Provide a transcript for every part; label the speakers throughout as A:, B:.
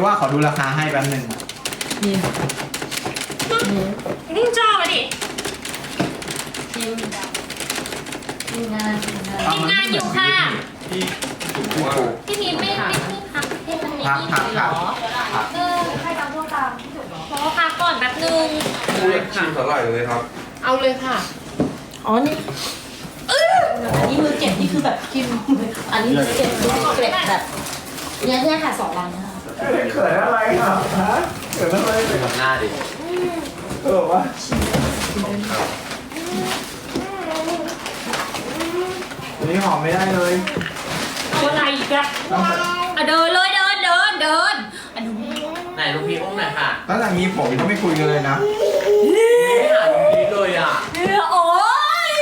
A: ว่าขอดูราคาให้แป๊บนึง
B: นี่
C: นี่จ้ามาดิ
B: ทีมงาน
C: ทีมงานอยู่ค่ะ
A: ที่ถูกถูก
C: พี่พีไม่พักที่มันไม่ดีเลยเหรอใครตามพวกตามขอพักก่อนแป๊บนึง
D: พูดชิมสาหร่ายเลยครับ
B: เอาเลยค่ะอ๋อนี่อันนี้มือเก็บนี่คือแบบกินอันนี้มือเก็บมือเก็บแบบเนี่ยค่ะ2 วันนะคะ
A: เขินอะไรครับฮะเขินอะไร
D: ไปทำหน้าดิ
A: วะอันนี้หอมไม่ได้เลย
C: เอาอะไรอีกอะเดินเลยเดินอันนี้
D: ไหนลูกพี่อุ้มหน่อยค่ะ
A: ตั้งแต่มีผมก็ไม่คุยกันเลยนะ
D: ไม่หาลูกพี่เลยอ่ะ
C: โอ้ย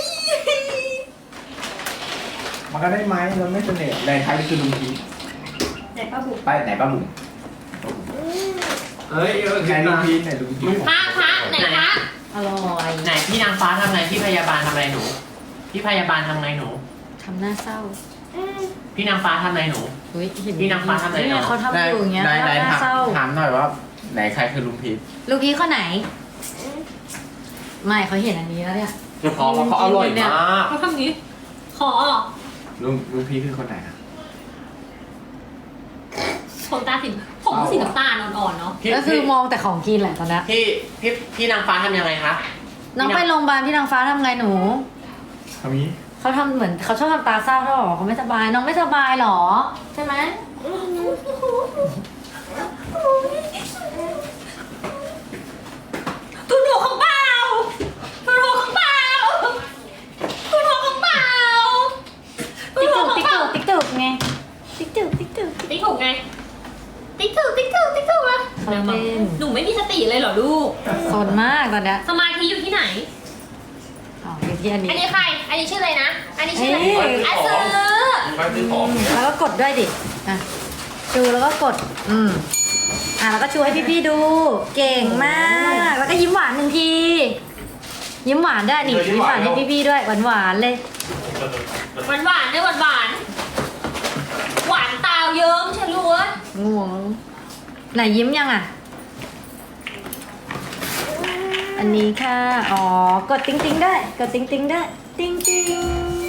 A: มันก็ได้ไหมเราไม่เสน่ห์ในไทยคือลุงพี
C: ไหนป้าบุ๋ม
A: ไปไหนป้าบุ๋ม
D: เฮ้ย
A: ไหนลุงพีไหนลุงพี
C: พระไหนพระ
B: อร่อย
E: ไหนพี่นางฟ้าทำไงพี่พยาบาลทำอะไรหนู พี่พยาบาลทำไงหนู
B: ทำหน้าเศร้า
E: พี่นางฟ้าทำอะไรหนู
B: เฮ้ยเห็น
E: พี่นางฟ้าทำอะไรเนอะ
B: เขาทำอยู่อย่างเงี้ย
A: ไหน
B: ทำหน้าเศร้า
A: ถามหน่อยว่าไหนใครคือลุงพี
B: ลูกพี่ข้อไหน ไม่เขาเห็นอันนี้แล้วเนี่ย
D: เขาอร่อยมาก
C: เขาทำนี้ขอ
A: ลุงพีคือคนไหนอะ
C: ผมตาสีผมสีน้ำตาลอ่อนๆเนาะ
E: พี่
B: ก็คือมองแต่ของกินแหละตอนเนี้ย
E: พี่นางฟ้าทำยังไงคะ
B: น้องไปโรงพยาบาลพี่นางฟ้าทำไงหนู
A: ทำนี้
B: เขาทำเหมือนเขาชอบทำตาเศร้าเขาบอกเขาไม่สบายน้องไม่สบายหรอใช่ไหม
C: ทุนหัวของเปล่าทุนหัวของเปล่าทุนหัวของเปล่าทุน
B: ติ๊ก
C: หัว
B: ตึก
C: ของ
B: ติ๊ก
C: เปล่า
B: ตึกติ๊กตึกไงติ๊กตึกติ๊กตึก
C: ติ๊กถูกไงติ๊กถูกอะ
B: เขาเล่น
C: หนูไม่มีสติเลยเหรอลูก
B: สนมากตอนเนี้ย
C: สมาธิอยู่ที่ไหน
B: อ๋ออยู่ที่อันนี้
C: อันนี้ใคร อันนี้ชื่ออะไรนะ อันนี้ชื่ออะไร
B: เอ้ย
C: อ่ะซื้อ
D: ไปซื้อของ
B: แล้วก็กดด้วยดิอ่ะชูแล้วก็กดแล้วก็ชูให้พี่ๆดู เก่งมากแล้วก็ยิ้มหวาน1 ทียิ้มหวานได้นี่ยิ้มหวานให้พี่ๆด้วยหวานๆเลย
C: หวานด้วยหวานหวานตาวเยิ้มฉันรู้ว่า
B: ง่วงไหนยิ้มยังอ่ะ อันนี้ค่ะ อ๋อ กดติ๊งติ๊งได้ กดติ๊งติ๊งได้ ติ๊งติ๊ง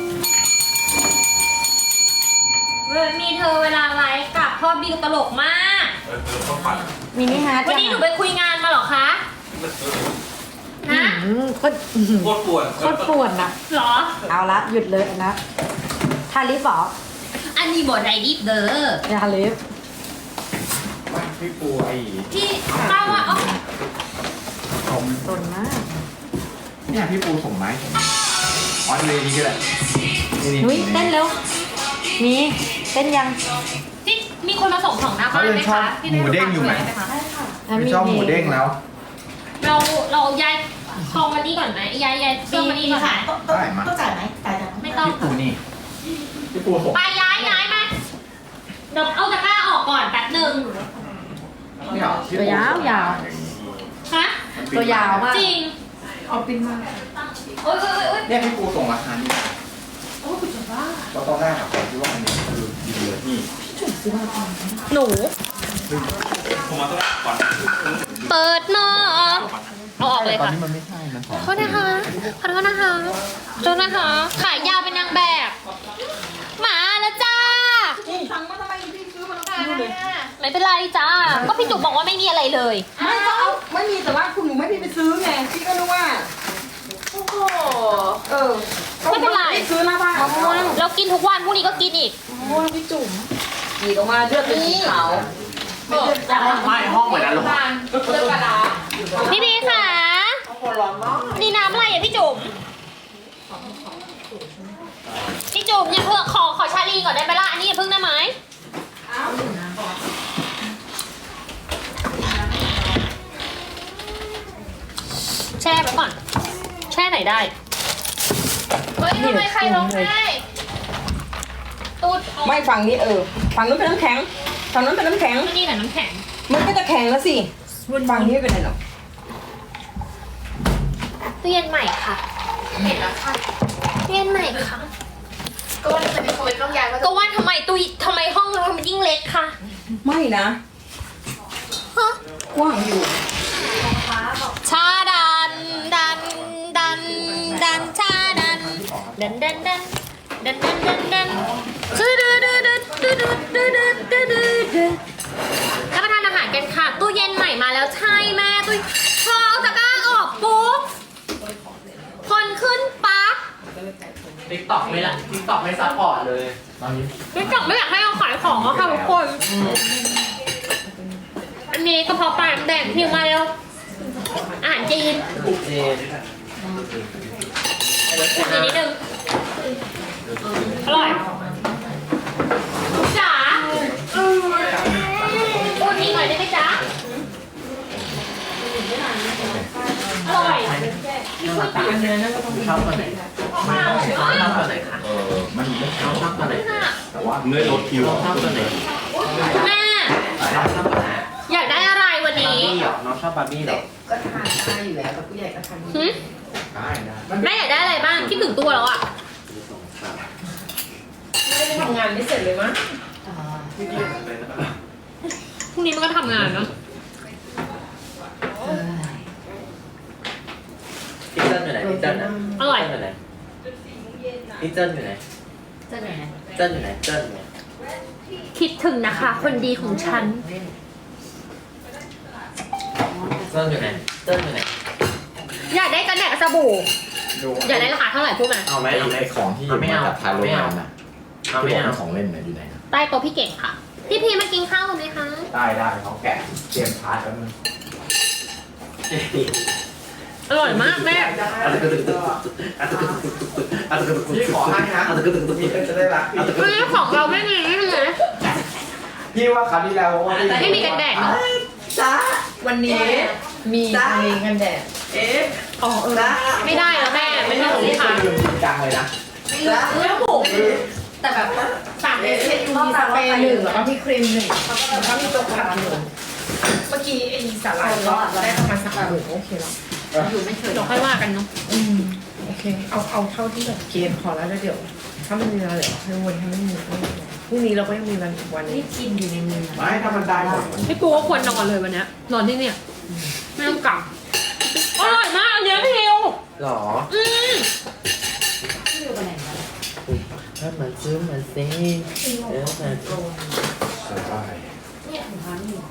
C: มีเธอเวลาไลฟ์กับพ่อบิวตลกมาก
D: ข้าวผัด
B: มินิฮาร์ด
C: วันนี้หนูไปคุยงานมาเหรอคะ ฮะ
B: โคตร
D: โคตรปวด
B: โคตรปวดนะ
C: เหรอ
B: เอาละหยุดเลยนะทาลิปเหรอ
C: อันนี้บอดไรดิฟเด้อ
B: อย่าทาลิป
A: พี่ปูไอ้
C: ที่เล่าว่าอ๋อ
A: ผม
B: สนมาก
A: เนี่ยพี่ปูส่งไม้อ๋อเลยนี่ก็ได้
B: นุ้ยเต้นเร็ว มีเต้นยัง
C: ที่มีคนมาส่งของหน้าบ้านไหมคะพี่
A: หมูเด้งอยู่ไหม ไม่ชอบหมูเด้งแล้ว
C: เราย้ายคอมมานี่ก่อนไหมย้ายเครื่องมานี่ก่อนไหม
A: ได้มา
B: ต้องจ่ายไหมจ่ายจัง
C: ไม่ต้อง
A: พี่ปูนี่พี่ปูส่ง
C: ไปย้ายมาเดี๋ยวเอาตะกร้าออกก่อนแป๊บหนึ่ง
A: นี่เหรอพี่ปู
B: ตัวยาว
C: ฮะ
B: ตัวยาวมาก
C: จริง
B: เอาปินมา
C: โอ๊ย
A: เนี่ยพี่ปูส่งราคานี่ก็ต้องได้ครับผมคิดว่าอันนี้คือดีเลยนี่
C: หนู
D: ผมมาต้องก่อน
C: เปิดหม้อเอาออกเลย
A: ตอน
C: ค่ะ
A: นี้มันไม่ใช่มันของ
C: ขอโทษนะคะขอโทษนะคะขอโทษนะคะ ขายยาวเป็นนางแบบ มาแล้วจ้า
B: สั่งมาทำไมพี่ซื้อมาแล้ว
C: ไม่เป็นไรจ้า ก็พี่จุกบอกว่าไม่มีอะไรเลย
F: ไม่ก็เอาไม่มีแต่ว่าคุณหนูไม่พี่ไปซื้อไงพี่ก็รู้ว่า
C: โอ้โห
F: เออ
C: ไม่เป็นไร
F: พี่ซื้อหน้าบ้าน
C: มะม่วงเรากินทุกวันพรุ่งนี้ก็กินอีก
F: หยีดออกมาเลือดเป็นสีขาว
E: ไม่ห้องเหมือนอารมณ์
F: เลือดกระดาษ
C: พี่พีค่ะนี่น้ำอะไรอ่ะพี่จุ๋มพี่จุ๋มอย่าเพิ่งขอชาลีก่อนได้ไหมล่ะอันนี้อย่าเพิ่งได้ไหมแช่ไปก่อน แช่ไหนได้ เฮ้ยทำไมใครร้องไห้ตูด
F: ไม่ฝั่งนี้ฝั่งนู้นเป็นน้ำแข็งฝั่งนู้นเป็นน้ำแข็ง
C: นี่แหละน้ำแข็ง
F: มันก็จะแข็งแล้วสิฝั่งนี้ไม่เป็นไรหรอก
C: ตู้เย็นใหม่ค่ะเห็นแล้วค่ะตู้เย็นใหม่ค่ะ
G: ก็ว่าจะมีคนต้องย้ายมา
C: ก็ว่าทำไมห้องเรามันยิ่งเล็กค่ะ
F: ไม่นะกว้างอยู่
C: ชาดันดันดันดันชาดันดันดันดันดันดันดันดันชื่อดื้อดื้อดื้อดื้อดื้อดื้อดื้อดื้อดื้อรับประทานอาหารกันค่ะตู้เย็นใหม่มาแล้วใช่แม่ตู้พอเอาตะกร้าออกปุ๊บคนขึ้นปั๊บ
E: ติ๊กต็อกไม่ละติ๊กต็อกไม่ซัพพอร์ตเลยตอนนี้
C: ไม่จับไม่อยากให้เราขายของอะค่ะทุกคน อันนี้กระเพาะปลาแดงพิมพ์มาแล้วอาหารจีน
E: เจน
C: อีกนิดนึงอร่อยจ๋าพูดอีกหน่อยได้ไหมจ๊ะอร่อย
E: ชอบตัวไหนชอบตัวไหนคะ
A: มันไม่
E: ชอบตัวไหน
A: แต่ว่า
D: เนื้อรสคิว
E: ชอบตัวไหน
C: แม่
E: ชอบตัวไหน
C: อยากได้อะไรวัน
E: บาร์
C: นี้
E: บี้เหรอน้องชอบบาร์บี้เหรอ
F: ก็ทานได้อยู่แล้วแต่ผู้ใหญ่ก็ทาน
C: หึ
A: ได้ได้
C: แม่อยากได้อะไรบ้างคิดถึงตัวแล้วอะ
F: ไม่ได้ทำงานไม่เสร็จเลยมั้ง
C: พรุ่งนี้มันก็ทำงานเนาะ
E: พี่เจิ้นอยู่ไหนพี่เจิ้นนะ
C: อร่อย
E: อยู่ไหนพี่เจิ้นอยู่ไหน
B: จะไหน
E: เจิ้นอยู่ไหนเจิ้นอยู่ไหน
C: คิดถึงนะคะ คนดีของฉัน
E: เจิ้นอยู่ไหนเจิ้นอยู่ไหน
C: อยากได้กันแดดกับสบู่
A: ดู
C: อยากได้ราคาเท่าไหร่พูดมา
E: เอาไหมเอาไหม
A: ไอของที่มาจากทางโรงงานน่ะ
E: เอา
A: ที่
E: ไม่
A: บอก
E: เอา
A: เป็นของเล่นน่ะอยู่ไหนนะ
C: ใต้โต๊ะพี่เก่งค่ะ พี่พีมากินข้าวกันไหมคะ
A: ได้ได้เขาแกะเตรียมชาร์จแล้วมัน
C: อร่อยมากแม่
A: พี่ขอให้นะพี่จะได้รักพี่
C: เรื่องของเราไม่มีไม่มีเลย
A: พี่ว่าครั้งที่แล้วว่า
C: ไม่มีกันแดดเนาะ
F: จ้าวันนี้มีเพลงกันแดดอ๋อจ้า
C: ไม่ได้แล้วแม่ไม่ใช่ของลูกค้า
A: จริงจังเลยนะ
F: แล้วผมแต่แบบว่าสั่งเอเซนมีสเปรย์หนึ่งแล้วก็มีครีมหนึ่งแล้วก็มีตัวขัดหนึ่งเมื่อกี้ไอ้สาหร่ายก็ได้ประมาณสักหนึ่งโอเคแล้ว
B: อยู่ไม่เคย
C: เดี๋ยวค่อยว่ากันเนาะ
F: โอเคเอาเท่าที่แบบเกณฑ์พอแล้วเดี๋ยวถ้ามันมีอะไรเดี๋ยวให้วนให้มันมีพรุ่งนี้เราก็ยังมีวันอีกวันนึ
B: นี่
F: ง
B: กินอยู่ในมือ
A: ไม่ถ้ามันได้หมดมัน
C: พี่ปูก็ควรนอนเลยวันเนี้ยนอนที่เนี่ยไม่ต้องกลับอร่อยมากอันเนี้ยพี่ฮิว
E: หรอ
C: อืม
B: อยู่กับไหนมา
E: ถ้ามันซื้อมันซิเออมัน
A: ได้
B: เนี่ยถุงเท้านี่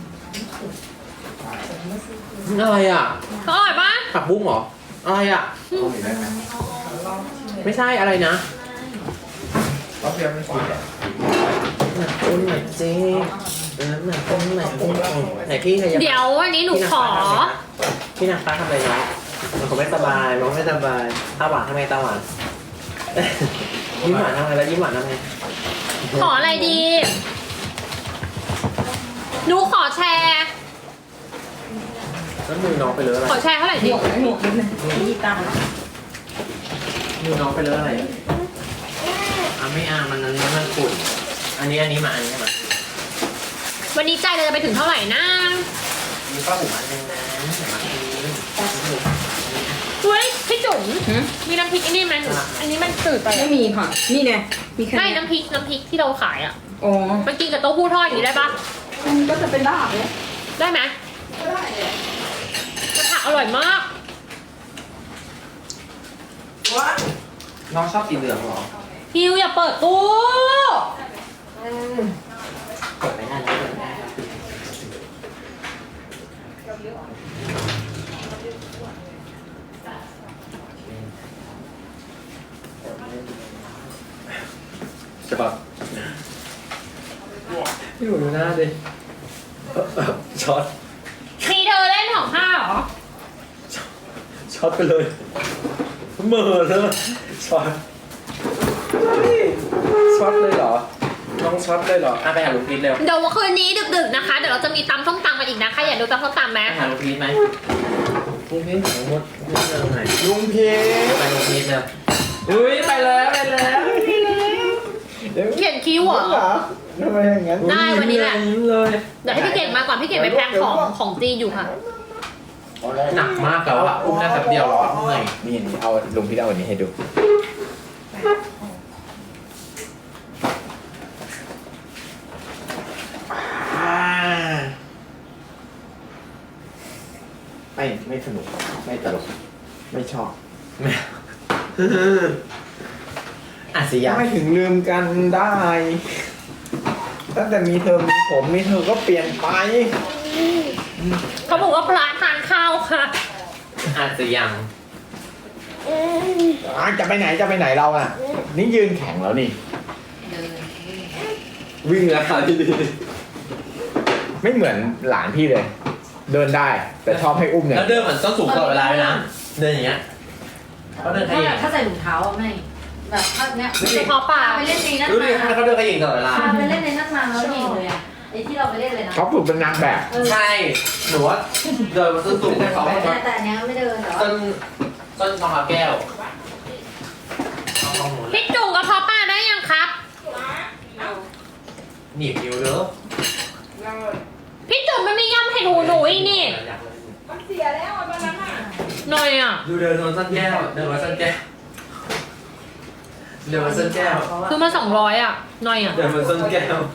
E: อะไรอ่ะ
C: อร่อยปะ
E: ผักบุ้งเหรออะไรอ่ะ
A: ต้องมีได้ไหม
E: ไม่ใช่อะไรนะ
A: รอบเดียวไม่กินอ่ะ
E: หนักต้นหนักเจ๊หนักต้นหนักต้นไหนพี่ขยับ
C: เดี๋ยววันนี้หนูขอ
E: พี่นักฟ้าทำอะไรนะมันคงไม่สบายมันไม่สบายตาหวานทำไมตาหวานยิ้มหวานทำไงแล้วยิ้มหวานทำไง
C: ขออะไรดี หนูขอแชร์
E: แล้วมือน้องไปเลอะอะไร
C: ขอแชร์เท่าไหร่ดี
F: หมวกนิดนึงที่ตั้ง
E: มือน้องไปเลอะอะไรไม่เอามันอันนี้มันขุ่นอันนี้มาอันนี้มา
C: วันนี้ใจเราจะไปถึงเท่าไหร่นะ
E: มีป้าหูอันนึงนะมาที
C: เฮ้ยพี่จุ๋มมีน้ำพริกอันนี้ไหมอันนี้มันจืดไป
F: ไม่มีค่ะ นี่ไงมีแค่
C: ไม่น้ำพริกที่เราขายอ่ะ
F: อ๋อ
C: มันกินกับเต้าหู้ทอดอย่างนี้ได้ปะ
F: มันก็จะเป็นลาบเลย
C: ได้ไหม
F: ก็ได้เลย
C: กระทะอร่อยมาก
F: ว้า
E: น้องชอบสีเหลืองเหรอ
C: ฮิวอย่าเปิดตู้
E: เปิดไม่ได้แล้วเปิดไม่ได้ใช่ปะพี่หนูดูหน้าดิช็อต
C: มีเธอเล่นของข้าเหรอ
E: ช็อตไปเลยเหม่อเลยช็อตช็อตเลยเหรอน้องช็อตเลยเหรอไปหาลูกพีทเร็ว
C: เดี๋ยวคืนนี้ดึกๆนะคะ เดี๋ยวเราจะมีตำส้มตำมาอีกนะคะ อยากดูตำส้มตำไหม
E: ไปหาลูกพีทไหมลูกพีทของมดเรื่องไหน
A: ลุงพี
E: ไปลูกพีทเร็วอุ้ยไปแล้วไปแล้ว
C: เขียนคิ้วเหรอ
A: ทำไมอย่างนั้น
C: ได้วันนี้แหละ
E: เลย
C: เดี๋ยวให้พี่เก่งมาก่อนพี่เก่งไปแพ็คของจีนอยู่ค่ะ
E: หนักมากแล้วอ่ะอุ้มได้แป๊บเดียวแล้วอะเมื่อย
A: นี่เอาลุงพี่เอาอันนี้ให้ดูไม่สนุกไม่ตลกไม่ชอบ
E: อาจจะยัง
A: ไม่ถึงลืมกันได้ตั้งแต่มีเธอมีผมมีเธอก็เปลี่ยนไป
C: เขาบอกว่าพระทานข้าวค่ะ
E: อาจจะยัง
A: จะไปไหนเราอ่ะ นี่ยืนแข่งแล้วนี่ วิ่งแล้วค่ะพี่ดีไม่เหมือนหลานพี่เลย เดินได้แต่ชอบให้อุ้มเนี่ย
E: แล้วเดินเหมือนส้นสูงตลอดเวลาเลยนะเดินอย่างเงี้ยเขาเดินขยิง
B: ถ้าใส่ถุงเท้าอะไม่แบบถ้าเนี้ย
C: เฉพาะปลา
B: ไปเล่นในนั่น
E: รู้ดิ
B: มา
E: เขาเดินขยิงตลอดเวลา
B: ไปเล่นในนั่นมาแล้วหญิงเลยอะไอ้ที่เราไปเล่นเลยนะ
A: เขาฝึกเป็นนางแบบ
E: ใช่หนูว่าเดินมาส้นสูงแต่เขา
B: แต่อันเนี้ยไม่เดินแต่ว่า
E: ต้นทองคำแก้ว
C: พี่จุ่มกระเพาะปลาได้ยังครับ
E: หนีบนิ้วเด้อ
C: พี่จุ่มมันไม่ย่ำให้หนูอีกนี่
F: มันเสียแล้วตอนนั้นอ่ะ
C: หน่อยอ่ะ
E: ดูเดินมาส้นแก้วเดินมาส้นแก้วเดินมาส้นแก้ว
C: คือมา200อ่ะหน่อยอ่ะ
E: เดินมาส้นแก้ว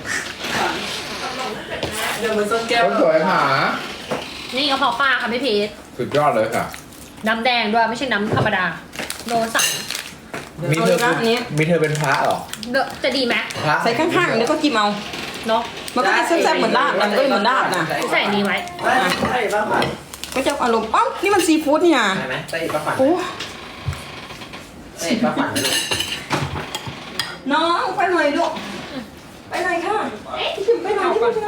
E: เดินมาส้นแก้ว
A: คนสวยหา
C: นี่กระเพาะปลาค่ะพี่พีท
A: สุดยอดเลยค่ะ
C: น้ำแดงด้วยไม่ใช่น้ำธรรมดาโนสั่ง
A: มีเธอเป็นพระเหรอ
C: จะดีไหม
A: พระ
G: ใส่ข้างๆแล้วก็กินเอา
C: เนาะ
G: มันก็จะแซ่บๆเหมือนลาบนะมันก็เหมือนลาบนะ
C: ใส่อันนี้ไว้
E: ใช่ป้าผัด
G: ก็จะอารมณ์เอ้านี่มันซีฟู้ดนี่นะ
E: ใช่ไหมใช่ป้าผัด
G: โอ้
E: ใช่ป้าผัดเลย
G: น้องไปหน่อยลูกไปหน่อยค่ะพี่จุ๋มไปหน่อยพี่จุ๋มนะ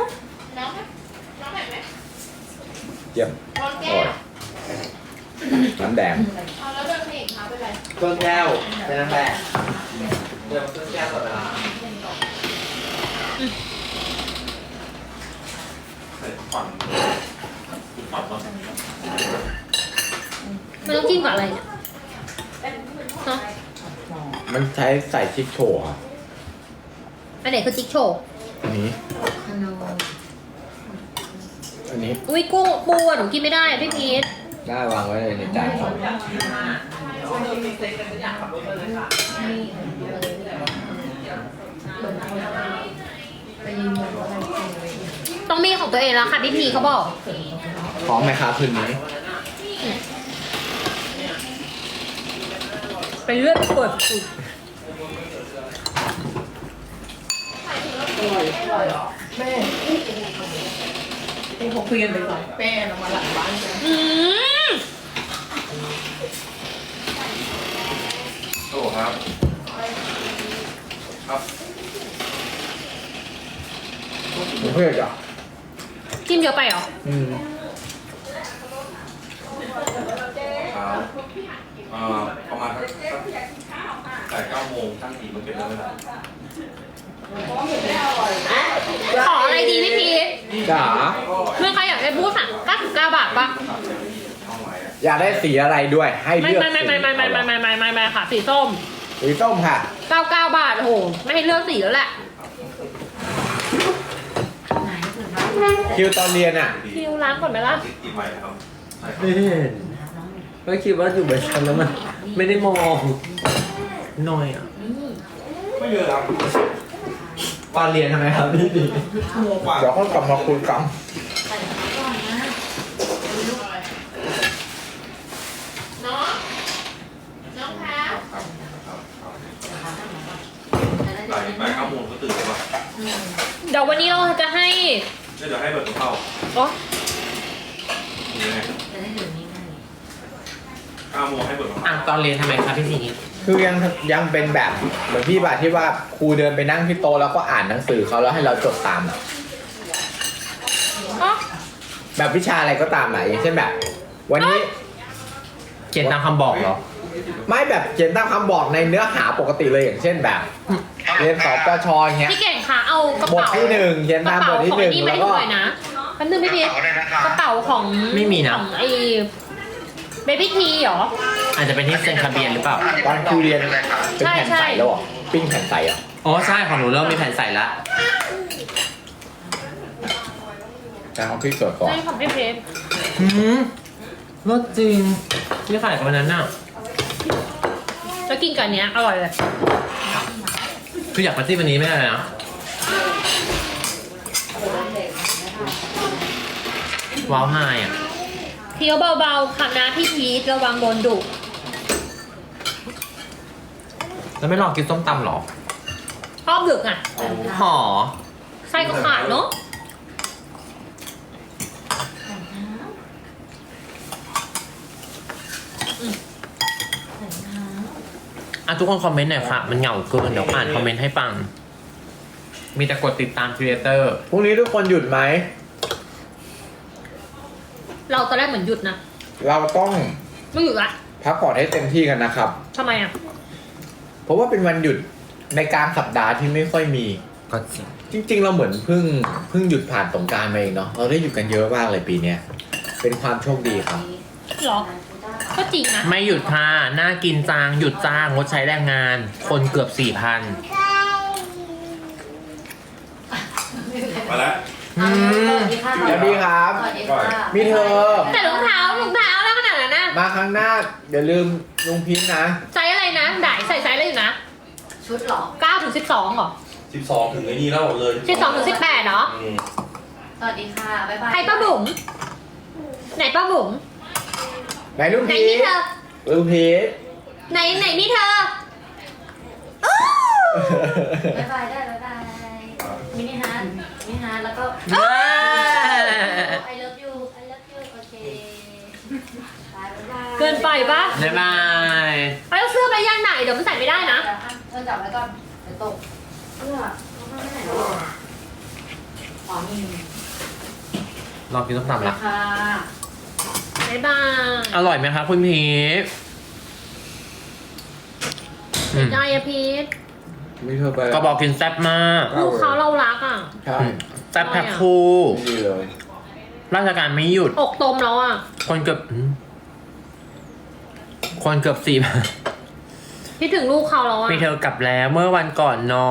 A: เยี่ยมโอ้ยน้ำแดง
E: ส้นแก้วเป็นนางแบบเดินมาส้นแก้วตลอดเวลา
D: ใส่ฝันฝันเนาะ
C: มันต้องจิ้มกับอะไรเนี่ยเนาะ
A: มันใช้ใส่ชิคโชว์ครับ
C: อันไหนคือจิ๊กโชว์
A: อันนี้ อันนี้
C: อุ้ยกุ้งปูอ่ะหนูกินไม่ได้อะพี่พีท
A: ได้วางไว้เลยในจานครับ
C: ต้องมีของตัวเองแล้วค่ะพี่พีเขาบอก
A: พร้อมไหมครับคืนนี้
C: ไปเลือดเปิดสุด
F: ไอ้พวกคุยกันไปก่อนแป้เรามาหลังบ้านกัน
C: อืม
D: โอ้ครับ ครับ
A: ผมเพื่อนจ้ะ
C: จิ้มเยอะไปเหรอ
D: ครับประมาณแต่9 โมงตั้งทีมันเป็นแล้วเวลา
C: ขออะไรดีพี่พีท
A: จ๋า
C: เมื่อใครอยากได้บูธสั่ง99 บาทปะ
A: อยากได้สีอะไรด้วย ให้
C: ไม่
A: เลือก
C: ไม่ค่ะสีส้ม
A: สีส้มค่ะ
C: 99 บาทโอ้โหไม่ให้เลือกสีแล้วแหละ
A: คิวตอนเรียนอ่ะ
C: คิวล้างก่อนไหมล่ะ
D: กินใหม่ครับ
E: ไม่เห็นไม่คิดว่าอยู่บนชั้นแล้วมันไม่ได้มองหน่อยอ่ะ
D: ไม่เยอะครับ
E: ตอนเรียนทำไมครับพี่ดี
D: ชั่วโมงกว่า
A: เดี๋ยวเขากลับมาคุยกัน
D: บ่าย 9 โมงก็ตื่นแล้วว่ะ
C: เดี๋ยววันนี้เราจะให้
D: เดี๋ยวให้เบิร์ดเข้า
C: อ๋อ
D: ยังไง9 โมงให้เบิร์ด
E: อ่ะ
D: เข้า
E: ตอนเรียนทำไมครับพี่สี
A: คือยังเป็นแบบเหมือนพี่บาทที่ว่าครูเดินไปนั่งที่โต๊ะแล้วก็อ่านหนังสือเขาแล้วให้เราจดตามอะ
C: อ๋อ
A: แบบวิชาอะไรก็ตามอะอย่างเช่นแบบ วันนี้
E: เขียนตามคำบอกเหรอ
A: ไม่แบบเขียนตามคำบอกในเนื้อหาปกติเลยอย่างเช่นแบบ เรียนสปชอย่างเงี้ย
C: พี่เก่งคะเอากระ
A: บท
C: เป๋า
A: ที่หนึ่งเขียนตามบทที่หนึ่ง
C: กระ
A: แล้
C: เป๋าว ของไอ้นี่
A: ก็
C: ไม่ได้เลยนะแป๊บนึงพี่พีทกระเป๋าของ
E: ไม่มีนะ
C: ของไอ้เบบี้ทีเหรอ
E: อาจจะเป็นที่เซ็นทะเบียนหรือเปล่า
A: ตอนครูเรียนเป็นแผ่นใสแล้วเหรอปิ้งแผ่นใสเหรอ่ะ
E: อ๋อใช่ของหนูเริ่มมีแผ่นใส่ละ
A: แต่ของพี่ตรวจก่อน
C: ใช่ของพี่เพชร
E: รสจริงนี่ขายกันวันนั้นน่ะ
C: แล้วกินกับอันเนี้ยอร่อยเลย
E: คืออยากปาร์ตี้วันนี้ไม่ได้เลยนะว้าวไฮอ่ะ
C: เคี้ยวเบาๆค่ะนะพี่พีทระวังโดนดุ
E: แล้วไม่ลองกินส้มตำหรอ
C: ชอบดึกอ่ะ
E: หอ
C: ไส้ก็ขาดเนาะ
E: อ่ะทุกคนคอมเมนต์หน่อยค่ะ มันเหงาเกินเดี๋ยวอ่านคอมเมนต์ให้ฟัง มีแต่กดติดตามครีเอเตอร์
A: พรุ่งนี้ทุกคนหยุดไหม
C: เราตอนแรกเหมือนหยุดนะ
A: เราต้อง
C: ไม่หยุดละ
A: พักผ่อนให้เต็มที่กันนะครับ
C: ทำไมอ่ะ
A: เพราะว่าเป็นวันหยุดในกลางสัปดาห์ที่ไม่ค่อยมี
E: ก็จริง
A: จริง ๆ เราเหมือนเพิ่งหยุดผ่านสงกรานต์มาเองเนาะ เราได้หยุดกันเยอะมากเลยปีเนี้ย เป็นความโชคดีครับ
C: หรอ ก็จริงนะ
E: ไม่หยุดค่ะน่ากินจางหยุดจ้างงดใช้แรงงาน คนเกือบ 4,000
D: มาแล้ว
E: อืม
A: สวัสดีครับ มีเธอ
C: แต่รองเท้าแล้วขนาดนั้นนะ
A: มาครั้งหน้าอย่าลืมลุงพินนะ
C: ไซส์อะไรนะด่ายใส่ไซส์อะไรอยู่นะ
B: ชุดเหรอ
C: 9 ถึง 12เหรอ
D: 12 ถึงไอ้นี่แล้วเลย
C: 12 ถึง 18เหรอ
D: อืม
B: สวัสดีค่ะ บ๊ายบาย
C: ใครป้าบุ๋มไหนป้าบุ๋ม
A: ไหนลุง
C: ไหน
A: พี
C: นี่เธอ
A: ลุงพี
C: ไหนนี่เธอ
B: บ๊ายบายได้บ๊ายบาย มินิฮาร์ดแล้วก็ I love you โอเคบ๊ายบาย
C: เกินไปปะ
E: บ๊ายบาย
C: ไปเอาเสื้อไปย่างไหนเดี๋ยวมันใส่ไม่ได้นะ
B: เธอจับไว้ก่อนเดี๋ยวตกเสื้อเขาไม่ไหนหรออ๋อมี
E: ลองกินส้มตำละ
B: ค่ะ
C: บ๊ายบาย
E: อร่อยไหมคะคุณพีท
C: เสียใจอะพีท
A: มีเธอไป
E: ก็บอกกินแซ่บมาก
C: ลูกเขาเรารักอ่ะ
A: ใช่
E: แซ่บแพ็คคู่
A: ดีเลย
E: ราชการไม่หยุด
C: อกตมแล้วอ่ะ
E: คนเกือบ4,000
C: คิดถึงลูกเขาแล้วอ่ะ
E: มีเธอกลับแล้วเมื่อวันก่อนน้อง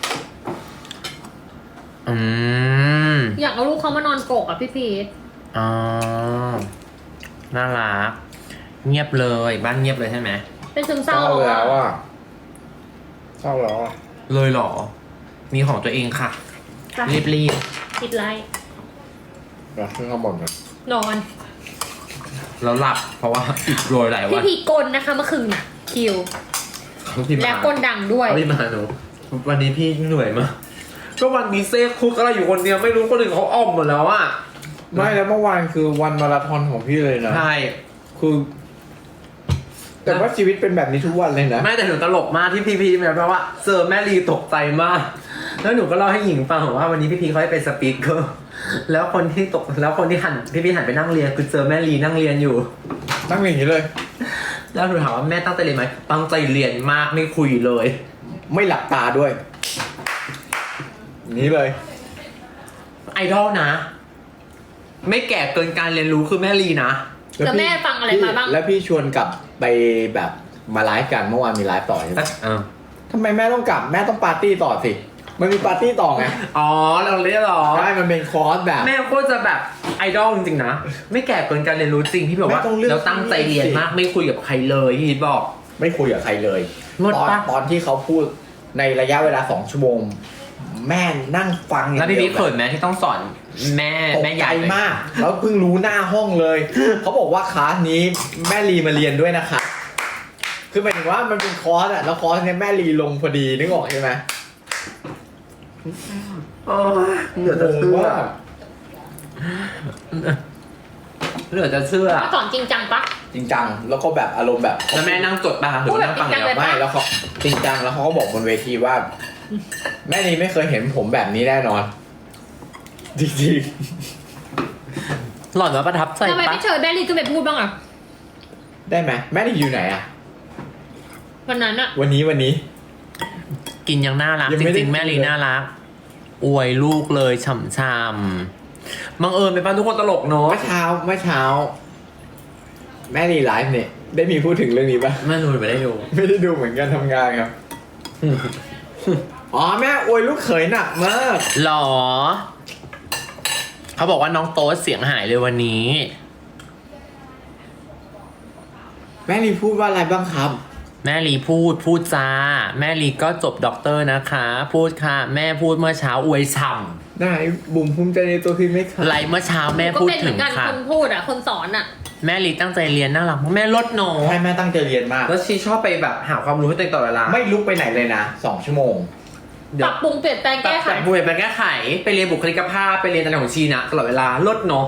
C: อยากเอาลูกเขามานอนกกอ่ะพี่พีท
E: อ๋อ น่ารัก เงียบเลยบ้านเงียบเลยใช่ไหม
C: เป็นซึม
A: เศ
C: เศร้า
A: ร้า
C: แล้ว
A: แล้ว
C: อ่ะ
A: อ่ะเศร้าแล้วอ่ะ
E: เลยเหรอ มีของตัวเองค่ะ รีบ
C: ติดไลท์
A: เดี๋ยวขึ้นข้างบนนะ
C: นอน
E: ๆแล้วหลับ เพราะว่าอิดโรยหลาย
C: พี่
E: วัน
C: พีกลนะคะเมื่อคืนน่ะ คิว
E: เขาพิมพ์
C: และ
E: มาก
C: ลดังด้วย
E: เขาพิมพ์มาหนูวันนี้พี่เหนื่อยมากก็วันนี้เซ่คุกอะไรอยู่คนเดียวไม่รู้คนอื่นเขาอ้อมหมดแล้วอ่ะ
A: ไม่แล้วเมื่อวานคือวันมาราธอนของพี่เลยนะ
E: ใช่
A: คือ แต่ว่าชีวิตเป็นแบบนี้ทุกวันเลยนะ
E: ไม่แต่หนูตลกมากที่พี่แบบว่าเจอแม่ลีตกใจมาก แล้วหนูก็เล่าให้หญิงฟังว่าวันนี้พี่เขาให้เป็นสปีกเกอร์แล้วคนที่หันพี่หันไปนั่งเรียนคือเจอแม่ลีนั่งเรียนอยู่
A: นั่งอย่างนี้เลย
E: แล้วหนูถามว่าแม่ตั้งใจเรียนไหมตั้งใจเรียนมากไม่คุยเลย
A: ไม่หลับตาด้วยนี้เลย
E: ไอดอลนะ ไม่แก่เกินการเรียนรู้คือแม่ลีนะ
C: แล้วแม่ฟังอะไรมาบ้าง
A: แล้วพี่ชวนกลับไปแบบมาไลฟ์กันเมื่อวานมีไลฟ์ต่อใช่ไหมทำไมแม่ต้องกลับแม่ต้องปาร์ตี้ต่อสิมันมีปาร์ตี้ต่อไง
E: อ๋อเราเรียกหรอ
A: ใช่มันเป็นคอร์สแบบ
E: แม่โคตรจะแบบไอดอลจริงๆนะ ไม่แก่เกินการเรียนรู้จริงพี่บอกว่า
A: แม่ต้องเลือก
E: แล้วตั้งใจเรียนมากไม่คุยกับใครเลยพี่บอก
A: ไม่คุยกับใครเลย
E: งด
A: ตอน
E: ปะ
A: ตอนที่เขาพูดในระยะเวลา2 ชั่วโมง แม่นั่งฟังอย่าง
E: แล้วพี่
A: เดี
E: พี
A: ยว
E: เขินไหมที่ต้องสอนแม่
A: ตก
E: แม่ให
A: ใจ
E: ญ่เลย
A: มาก แล้วเพิ่งรู้หน้าห้องเลย เขาบอกว่าคลาสนี้แม่ลีมาเรียนด้วยนะคะ คือหมายถึงว่ามันเป็นคอร์สอะแล้วคอร์สเนี้ยแม่ลีลงพอดีนึกออกใช่ไหม
E: เหลือจะเชื่อ
A: ว่า
E: เหลือจะเชื่อ
C: สอนจริงจังปะ
A: จริงจังแล้วก็แบบอารมณ์แบบ
E: แล้วแม่นั่งจดป่ะหรือว่านั่งฟัง
C: พูดแบบจริงจังเลย
E: เดียว
A: ไม่แล้วเขาจริงจังแล้วเขาก็บอกบนเวทีว่า แม่ลีไม่เคยเห็นผมแบบนี้แน่นอน จริง
E: หล่อนว่าประทับใจ
C: ทำไม
E: ปะ
C: ไม่เชิญแม่ลีขึ้นไปพูดบ้างอ่ะ
A: ๆได้ไหมแม่ลีอยู่ไหนอะ
C: วันนั้นอ่ะ
A: วันนี้
E: กินยังน่ารัก
A: ยัง
E: จ
A: ไม่ได้
E: ริงๆแม่ลี
A: กินเลย
E: น่ารัก อวยลูกเลยฉ่ำๆบังเอิญไปป้าทุกคนตลกเนาะ
A: เมื่อเช้า แม่ลีไลฟ์เนี่ยได้มีพูดถึงเรื่องนี้ปะ
E: แม่ดูไม่ได้ดู
A: ไม่ได้ดูเหมือนกันทำงานครับ อ๋อแม่อวยลูกเขยหนักมาก
E: หรอ เขาบอกว่าน้องโต๊ดเสียงหายเลยวันนี้
A: แม่ลีพูดว่าอะไรบ้างครับ
E: แม่ลีพูดจ้า แม่ลีก็จบด็อกเตอร์นะคะ พูดค่ะ แม่พูดเมื่อเช้าอวยฉ่
A: ไหนบุ๋มภูมิใจในตัวพี่ไหมคะ
E: ไลฟ์เมื่อเช้าแม่
C: ก็
E: พูด
C: เป็นเห
E: ถึ
C: มือง นกัน
E: ค่ะ
C: คนพูดอ่ะคนสอนอ่ะ
E: แม่ลีตั้งใจเรียนน่ารักแม่ลดหนอ
A: ให้แม่ตั้งใจเรียนมาก
E: แล้วชีชอบไปแบบหาความรู้ให้ตัวเองตลอดเวลา
A: ไม่ลุกไปไหนเลยนะ2 ชั่วโมง
C: ปรับปรุงเปลี่ยนแปลงแก้ไข
E: แบบบุยไปแก้ไขไปเรียนบุคลิกภาพไปเรียนอะไรของชีนะตลอดเวลาลดเนาะ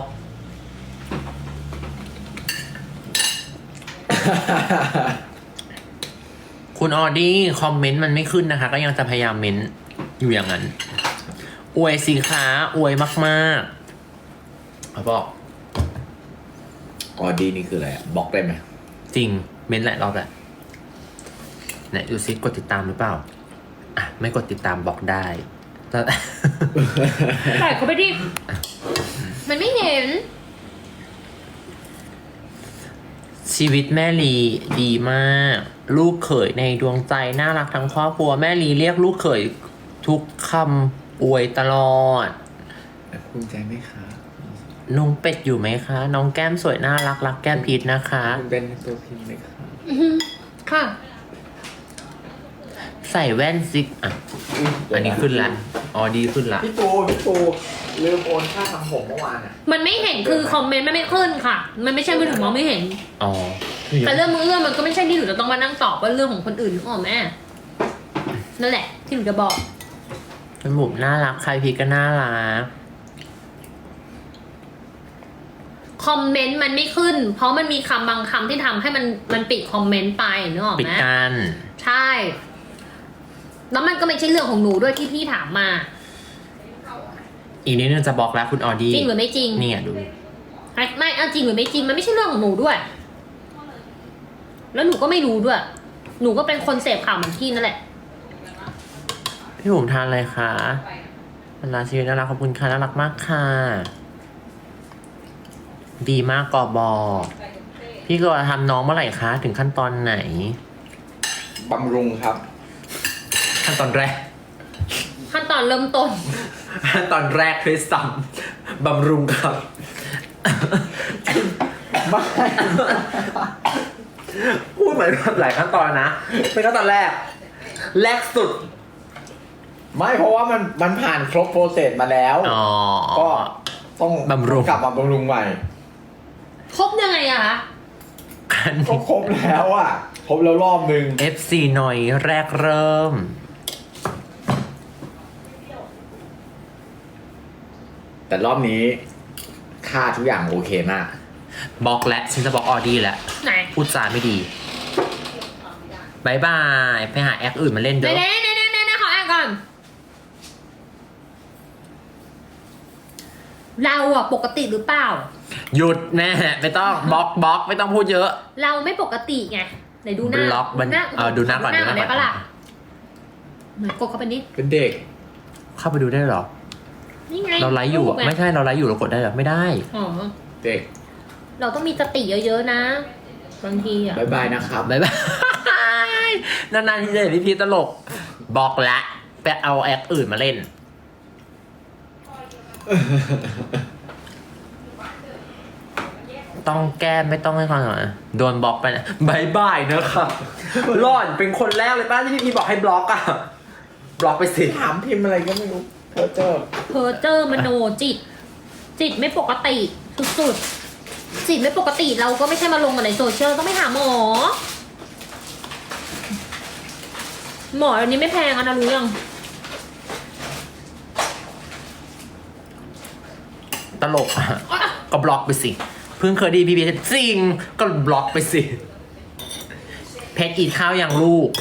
E: คุณออดี้คอมเมนต์มันไม่ขึ้นนะคะ ก็ยังจะพยายามเม้นอยู่อย่างนั้น อวยสิคะอวยมากๆเขาบอก
A: อ๋อดีนี่คืออะไรอะบล็อกได้ไหม
E: จริงเม้นหลายรอบแหละไหนดูซิกดติดตามหรือเปล่าอ่ะไม่กดติดตามบอกได้แต่
C: ใส่เขาไปดิมันไม่เห็น
E: ชีวิตแม่ลีดีมาก ลูกเขยในดวงใจน่ารักทั้งครอบครัวแม่ลีเรียกลูกเขยทุกคำอวยตลอด
A: ภูมิใจไหมคะ
E: ลุงเป็ดอยู่ไหมคะ น้องแก้มสวยน่ารักรักแก้มพีชนะคะ
A: ภูมิใจในตัวพี่ไหมคะ
C: ค่ะ
E: ใส่แว่นซิกอ่ะอันนี้ขึ้นละอ๋อดีขึ้นละ
A: พี่ปูลืมโอนค่าทำผมเมื่อวานอ่ะ
C: มันไม่เห็นคือคอมเมนต์มันไม่ขึ้นค่ะ มันไม่ใช่มือถือมองไม่เห็น
E: อ๋อ
C: แต่เรื่องมือเรื่องมันก็ไม่ใช่ที่หนูจะต้องมานั่งตอบว่าเรื่องของคนอื่นนึกออกไหมนั่นแหละ ที่หนูจะบอก
E: เป็นบุ๋มน่ารักใครพีชก็น่ารัก
C: คอมเมนต์มันไม่ขึ้น เพราะมันมีคำบางคำที่ทำให้มันปิดคอมเมนต์ไปนึกออก
E: ปิด
C: ไหม
E: กัน
C: ใช่ แล้วมันก็ไม่ใช่เรื่องของหนูด้วยที่พี่ถามมา
E: อีกนิดนึงจะบอกแล้วคุณออดี้
C: จริงหรือไม่จริง
E: เนี่ยดู
C: ไม่เอาจริงหรือไม่จริงมันไม่ใช่เรื่องของหนูด้วย แล้วหนูก็ไม่รู้ด้วย หนูก็เป็นคนเสพข่าวเหมือนพี่นั่นแหละ
E: พี่บุ๋มทานอะไรคะเวลาชีวิตน่ารักขอบคุณค่ะน่ารักมากค่ะ ดีมากกอบอพี่ก็ทำน้องเมื่อไหร่คะถึงขั้นตอนไหน
A: บำรุงครับ
E: ขั้นตอนแรก
C: ขั้นตอนเริ่มต้น
E: ขั้นตอนแรกคือซ้ำบำรุงครับ
A: ไม่
E: พูดเหมือนแบบหลายขั้นตอนนะเป็นขั้นตอนแรก แรกสุด
A: ไม่เพราะว่ามันผ่านครบโปรเซสมาแล้ว
E: อ๋อ
A: ก็ต้อง
E: บำรุง
A: กลับมาบำรุงใหม่
C: ครบยังไงอะคะ
E: อัน
A: ก็
E: นี้
A: ครบแล้วอ่ะ ครบแล้วรอบนึง
E: FC หน่อยแรกเริ่ม
A: แต่รอบนี้ค่าทุกอย่างโอเคมาก
E: บล็อกและฉันจะบล็อกออดี้แล้ว
C: ไหน
E: พูดจาไม่ดีบายบายไปหาแอคอื่นมาเล่น
C: ไหน
E: เด้อ
C: ไหนขออ่านก่อน เราอะปกติหรือเปล่า
E: หยุดแน่ไม่ต้องบล็อกไม่ต้องพูดเยอะ
C: เราไม่ปกติไงไหนดูหน้า
E: บล็อกมันดูหน้าก่อน
C: ดูหน้า
E: ดูหน้าก่อน
C: ได้ปะล่ะเหมือนกดเข้าไปนิด
A: เป็นเด็ก
E: เข้าไปดูได้เหรอ
C: นี่ไง
E: เราไลฟ์อยู่อะ
C: รูปง
E: ไม่ใช่เราไลฟ์อยู่เรากดได้เหรอไม่ได้
C: อ๋อ
A: เด็ก
C: เราต้องมีสติเยอะๆนะ บางทีอะ
A: บายบายนะครับ
E: บายบายนานๆที่จะเห็นพี่ตลกบล็อกละไปเอาแอคอื่นมาเล่น ต้องแก้ไม่ต้องให้ความสำคัญโดนบล็อกไปนะบายบายนะครับหล่อนเป็นคนแรกเลยป้าที่พี่บอกให้บล็อกอะบล็อกไปสิ
A: ถามพิมพ์อะไรก็ไม่รู้เพอเจอ
C: เพอเจอร์มโนจิตไม่ปกติสุดๆจิตไม่ปกติเราก็ไม่ใช่มาลงกันในโซเชียลต้องไปหาหมอ หมออันนี้ไม่แพงอะนะรู้ยัง
E: ตลกอะก็บล็อกไปสิ เพิ่งเคยไดีพี่พีจริงก็บล็อกไปสิ เพชรกินข้าวอย่างลูก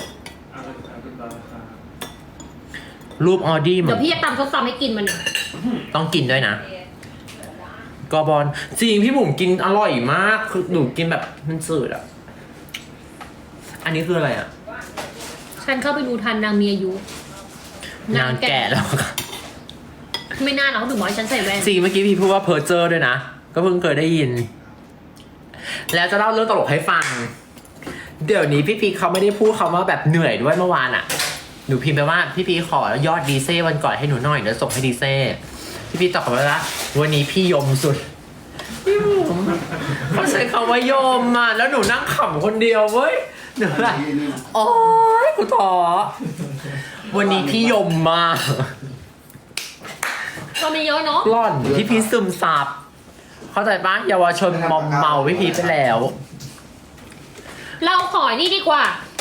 E: รูปออดี้เหมื
C: เดี๋
E: อย
C: วน พี่จะตำส้มตำให้กินมันเนี่ย
E: ต้องกินด้วยนะกอบอลจริงพี่บุ๋มกินอร่อยมากคือหนูกินแบบมันสืดอ่ะ อันนี้คืออะไรอ่ะ
C: ฉันเข้าไปดูทันนางมีอายุ
E: นางแก่แล้วค่ะ
C: ไม่น่าหรอกเขาถึงบอกให้ฉันใส่แว่น
E: จริงเมื่อกี้พี่พูดว่าเพอร์เจอร์ด้วยนะ ก็เพิ่งเคยได้ยิน แล้วจะเล่าเรื่องตลกให้ฟัง เดี๋ยวนี้พี่พีเขาไม่ได้พูดคำว่าแบบเหนื่อยด้วยเมื่อวานอ่ะ หนูพิมพ์ไปว่าพี่พีขอยอดดีเซ่วันก่อนให้หนูหน่อยเดี๋ยวส่งให้ดีเซ่พี่พีตอบกลับมาว่าวันนี้พี่ยมสุดพี่บุ๋มเขาใช้คำว่ายมอ่ะแล้วหนูนั่งขำคนเดียวเว้ยหนูแบบโอ๊ยกูท้อวันนี้พี่ยมมาก
C: ก็มีเยอะเนาะ
E: กล่อนพี่พีชซึมซับเข้าใจปะเยาวชนมอมเมาพี่พีชไปแล้ว
C: เราขอนี่ดีกว่า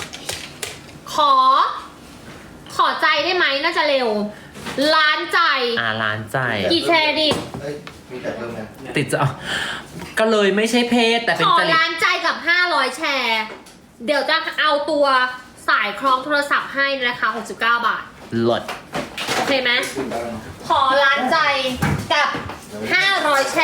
C: ขอใจได้ไหมน่าจะเร็ว ล้านใจ
E: ล้านใจ
C: กี่แชร์ดิ
H: มีแต่เพิ่มไหม
E: ติดจะก็เลยไม่ใช่เพศแต่เป็
C: ข
E: น
C: อ
E: จริต
C: ล้านใจกับ 500 แชร์ เดี๋ยวจะเอาตัวสายคล้องโทรศัพท์ให้ในราคา69 บาท
E: หลด
C: โอเคไหม ขอล้านใจกับ 500 แชร์